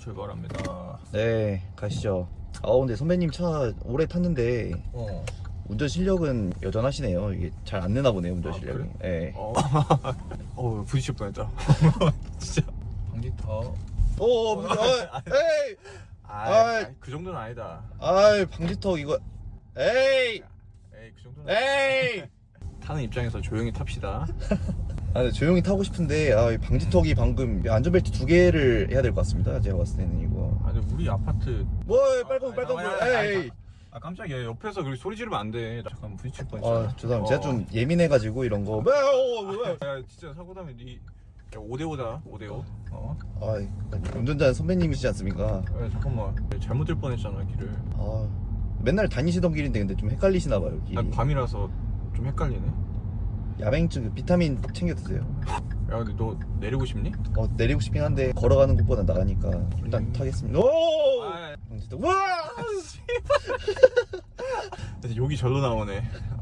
출발합니다. 네, 가시죠. 근데 선배님 차 오래 탔는데 운전 실력은 여전하시네요. 이게 잘 안 느나 보네요, 운전 실력이. 그래? 네. 부딪힐 뻔했다. 진짜. 방지턱. 에이! 그 정도는 아니다. 방지턱 이거. 에이! 에이, 그 정도는. 에이! 타는 입장에서 조용히 탑시다. 근데 조용히 타고 싶은데 이 방지턱이 방금 안전벨트 2개를 해야 될 것 같습니다. 제가 봤을 때는 이거. 아니 우리 아파트. 빨간 에이. 깜짝이야. 옆에서 그렇게 소리 지르면 안 돼. 잠깐 부딪힐 뻔했잖아. 죄송합니다. 제가 좀 예민해가지고 이런 거. 야, 진짜 사고 나면 니 5대5다. 5대5. 운전자는 선배님이시지 않습니까? 야, 잠깐만. 잘못 들 뻔했잖아 길을. 맨날 다니시던 길인데 근데 좀 헷갈리시나 봐요. 길이. 난 밤이라서 좀 헷갈리네. 야맹증 비타민 챙겨 드세요. 야, 근데 너 내리고 싶니? 내리고 싶긴 한데 걸어가는 것보다 나가니까 일단 타겠습니다. 아, 와! 근데 욕이 절로 나오네.